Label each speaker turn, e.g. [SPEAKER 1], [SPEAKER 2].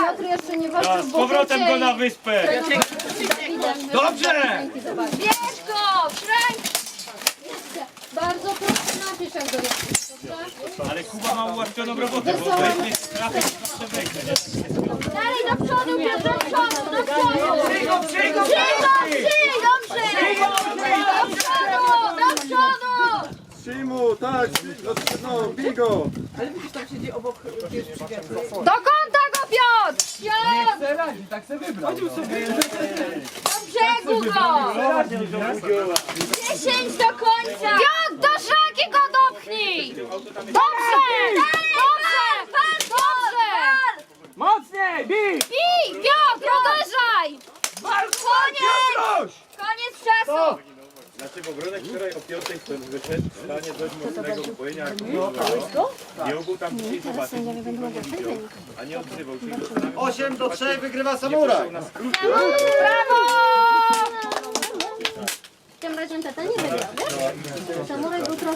[SPEAKER 1] Piotr jeszcze nie walczył
[SPEAKER 2] Z powrotem go na wyspę.
[SPEAKER 3] Dobrze!
[SPEAKER 1] Bierz go! Frank! Bardzo proszę, napisz jak go jest.
[SPEAKER 2] Ale Kuba ma ułatwioną robotę, bo weźmie trafić i przewejdzie.
[SPEAKER 1] Dalej do przodu, Piotr, do przodu, do przodu!
[SPEAKER 3] Przyjdą!
[SPEAKER 1] Dobrze! Do przodu, do przodu!
[SPEAKER 4] Przyjmu, tak, no, bij go!
[SPEAKER 1] Do kąta go, Piotr! Piotr!
[SPEAKER 3] Se radzi, tak se wybrał.
[SPEAKER 1] Do brzegu go! 10 do końca! Piotr, do szaki go dopchnij! Dobrze! Dobrze! Dobrze!
[SPEAKER 3] Mocniej, bij!
[SPEAKER 1] Bij! Piotr, uderzaj! Koniec! Koniec czasu!
[SPEAKER 5] Dlaczego Bronek wczoraj o 5 wyszedł w stanie dość mocnego upojenia, jak nie mógł tam dzisiaj zobaczyć, a nie odzywał się.
[SPEAKER 4] 8-3 wygrywa Samuraj!
[SPEAKER 1] Brawo! Tym razem tata nie wygrał, wiesz? Samuraj był trochę